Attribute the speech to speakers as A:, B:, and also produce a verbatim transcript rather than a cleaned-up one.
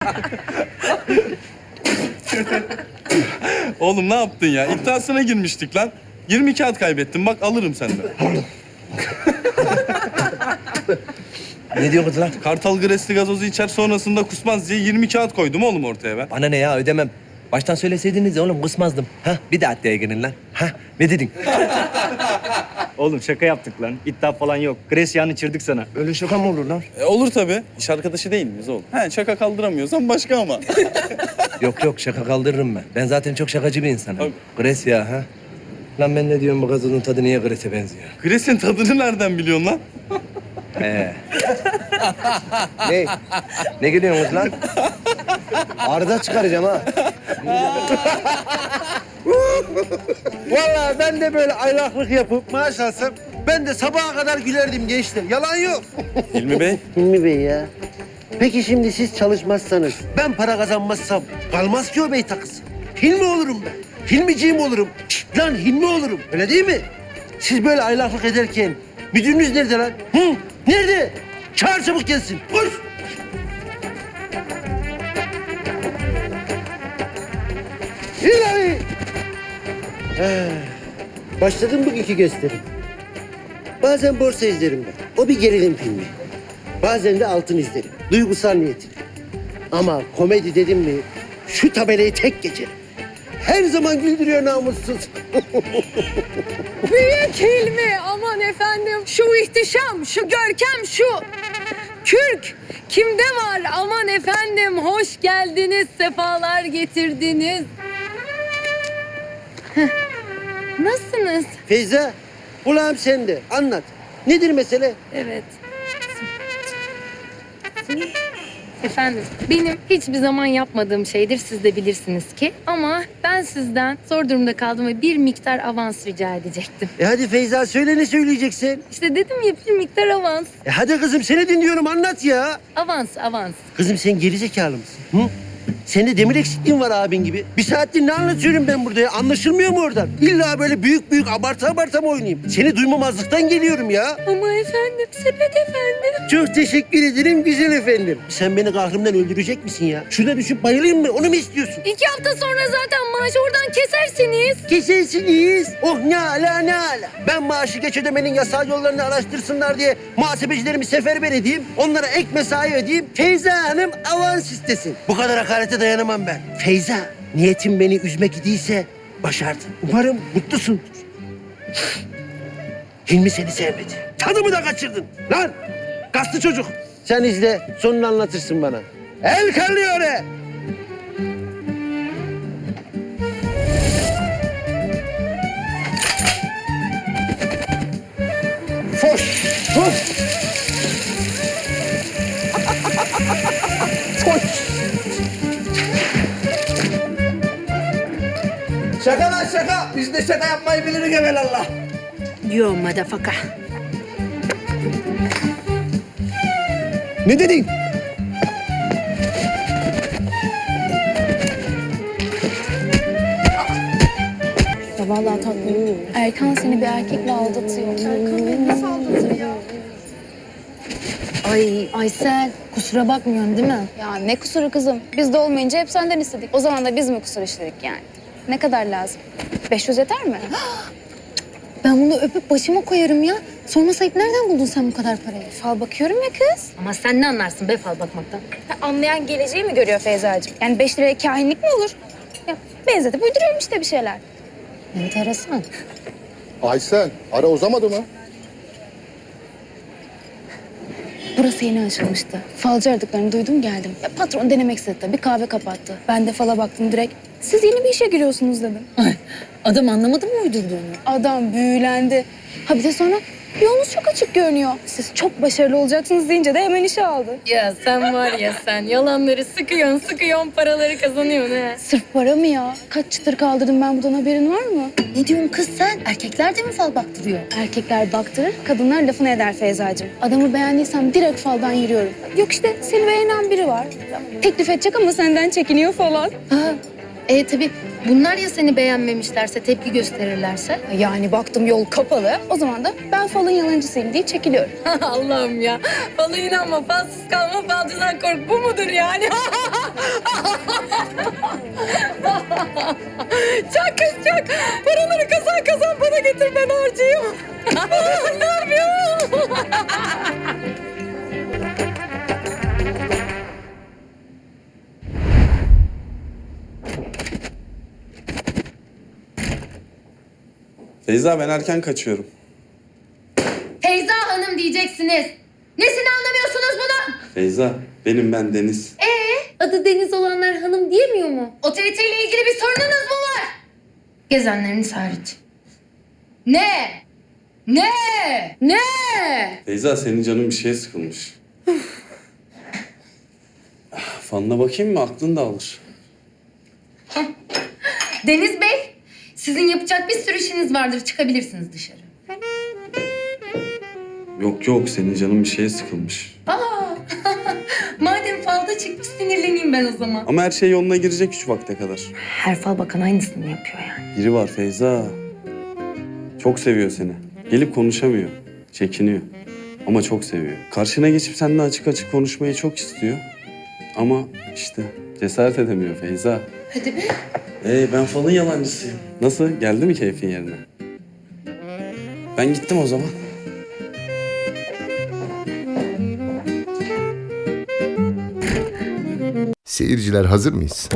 A: Oğlum ne yaptın ya? İddiasına girmiştik lan. yirmi kağıt kaybettim. Bak alırım senden.
B: Ne diyorsun lan?
A: Kartal Gresli gazozu içer sonrasında kusmaz diye yirmi kağıt koydum oğlum ortaya ben.
B: Bana ne ya, ödemem. Baştan söyleseydiniz ya oğlum, kısmazdım. Ha, bir de adliye girin lan. Ha, ne dedin?
C: Oğlum şaka yaptık lan. İddia falan yok. Gresya'nı çırdık sana.
B: Öyle şaka mı olur lan?
A: E, olur tabii. İş arkadaşı değil miyiz oğlum? He şaka kaldıramıyorsan başka ama.
B: Yok yok, şaka kaldırırım ben. Ben zaten çok şakacı bir insanım.
A: Tabii.
B: Gres ya ha. Lan ben ne diyorum, bu gazozun tadı niye Gres'e benziyor?
A: Gres'in tadını nereden biliyorsun lan?
B: Ee. Ne? Ne gülüyorsunuz lan? Arda çıkaracağım ha. Vallahi ben de böyle aylaklık yapıp maaş alsam ben de sabaha kadar gülerdim gençler. Yalan yok.
A: Hilmi Bey.
D: Hilmi Bey ya. Peki şimdi siz çalışmazsanız, ben para kazanmazsam kalmaz ki o bey takısı. Hilmi olurum ben. Hilmiciğim olurum. Şşt lan Hilmi olurum. Öyle değil mi? Siz böyle aylaklık ederken müdürünüz nerede lan? Hı? Nerede? Çağır çabuk gelsin. Koş. İlahi. Ha, başladım bugünkü gösterim. Bazen borsa izlerim ben. O bir gerilim filmi. Bazen de altın izlerim. Duygusal niyetine. Ama komedi dedim mi şu tabelayı tek geçerim. Her zaman güldürüyor namussuz.
E: Büyük Hilmi, aman efendim. Şu ihtişam, şu görkem, şu kürk kimde var? Aman efendim, hoş geldiniz, sefalar getirdiniz. Heh, nasılsınız?
D: Feyza, kulağım sende. Anlat. Nedir mesele?
E: Evet. Efendim, benim hiçbir zaman yapmadığım şeydir, siz de bilirsiniz ki. Ama ben sizden zor durumda kaldım ve bir miktar avans rica edecektim.
D: E hadi Feyza söyle, ne söyleyeceksin?
E: İşte dedim ya, bir miktar avans.
D: E hadi kızım seni dinliyorum, anlat ya.
E: Avans, avans.
D: Kızım sen gerizekalı mısın? Hı? Sende demir eksikliğin var abin gibi. Bir saattir ne anlatıyorum ben burada ya? Anlaşılmıyor mu oradan? İlla böyle büyük büyük abartı abartı mı oynayayım? Seni duymamazlıktan geliyorum ya.
E: Ama efendim, sepet efendim.
D: Çok teşekkür ederim güzel efendim. Sen beni kahrımdan öldürecek misin ya? Şurada düşüp bayılayım mı? Onu mu istiyorsun?
E: İki hafta sonra zaten maaşı oradan kesersiniz.
D: Kesersiniz. Oh ne ala ne ala. Ben maaşı geç ödemenin yasal yollarını araştırsınlar diye muhasebecilerimi seferber edeyim. Onlara ek mesai ödeyeyim. Feyza Hanım avans istesin. Bu kadar hakarete dayanamam ben. Feyza, niyetin beni üzmek idiyse başardın. Umarım mutlusundur. Hilmi seni sevmedi. Tadımı da kaçırdın. Lan kaslı çocuk. Sen izle, sonunu anlatırsın bana. El kallıyor he. Foş, foş. Foş.
B: Şaka lan şaka. Biz de şaka yapmayı biliriz evelallah.
E: Yo motherfucker.
D: Ne dedin?
F: Ya vallahi tatlım. Erkan seni bir erkekle aldatıyor. Erkan beni nasıl aldatıyor? Ay Aysel, kusura bakmıyorsun değil mi?
G: Ya ne kusuru kızım? Biz de olmayınca hep senden istedik. O zaman da biz mi kusur işledik yani? Ne kadar lazım? beş yüz yeter mi?
F: Ben bunu öpüp başıma koyarım ya. Sorma sayıp nereden buldun sen bu kadar parayı?
G: Fal bakıyorum ya kız.
E: Ama sen ne anlarsın be fal bakmaktan?
G: Ha, anlayan geleceği mi görüyor Feyza'cığım? Yani beş liraya kahinlik mi olur? Ya benzetip uyduruyorum işte bir şeyler.
F: Enteresan.
H: Aysel, ara uzamadı mı?
G: Burası yeni açılmıştı. Falcı aradıklarını duydum geldim. Ya patron denemek istedi tabii, kahve kapattı. Ben de fala baktım direkt. Siz yeni bir işe giriyorsunuz dedim.
F: Ay, adam anlamadı mı uydurduğunu?
G: Adam büyülendi. Ha bir de sonra yolunuz çok açık görünüyor. Siz çok başarılı olacaksınız deyince de hemen işe aldı.
E: Ya sen var ya sen yalanları sıkıyorsun sıkıyorsun paraları kazanıyorsun he.
G: Sırf para mı ya? Kaç çıtır kaldırdım ben buradan, haberin var mı?
F: Ne diyorsun kız sen? Erkekler de mi fal baktırıyor?
G: Erkekler baktırır, kadınlar lafını eder Feyza'cığım. Adamı beğendiysem direkt faldan yürüyorum. Yok işte seni beğenen biri var. Teklif edecek ama senden çekiniyor falan.
E: Ha, e tabii bunlar ya seni beğenmemişlerse tepki gösterirlerse.
G: Yani baktım yol kapalı. O zaman da ben falın yalancısıyım diye çekiliyorum.
E: Allah'ım ya. Falı inanma, falsız kalma, falcıdan kork. Bu mudur yani? Çak kız çak. Paraları kazan kazan bana getir ben harcayayım. Ne yapıyorsun?
A: Feyza ben erken kaçıyorum.
E: Feyza Hanım diyeceksiniz. Nesini anlamıyorsunuz bunu?
A: Feyza benim ben Deniz.
E: Ee, adı Deniz olanlar hanım diyemiyor mu? Otoriteyle ilgili bir sorununuz mu var? Gezenleriniz hariç. Ne? Ne? Ne?
A: Feyza senin canın bir şeye sıkılmış. Fanına bakayım mı? Aklın da alır.
E: Deniz Bey, sizin yapacak bir sürü işiniz vardır. Çıkabilirsiniz dışarı.
A: Yok yok senin canın bir şeye sıkılmış.
E: Aa, madem falda çıkmış sinirleneyim ben o zaman.
A: Ama her şey yoluna girecek şu vakte kadar.
E: Her fal bakan aynısını yapıyor yani.
A: Biri var Feyza. Çok seviyor seni. Gelip konuşamıyor. Çekiniyor. Ama çok seviyor. Karşına geçip seninle açık açık konuşmayı çok istiyor. Ama işte cesaret edemiyor Feyza.
E: Hadi be.
A: Ee, ben falın yalancısıyım. Nasıl? Geldi mi keyfin yerine? Ben gittim o zaman.
H: Seyirciler hazır mıyız?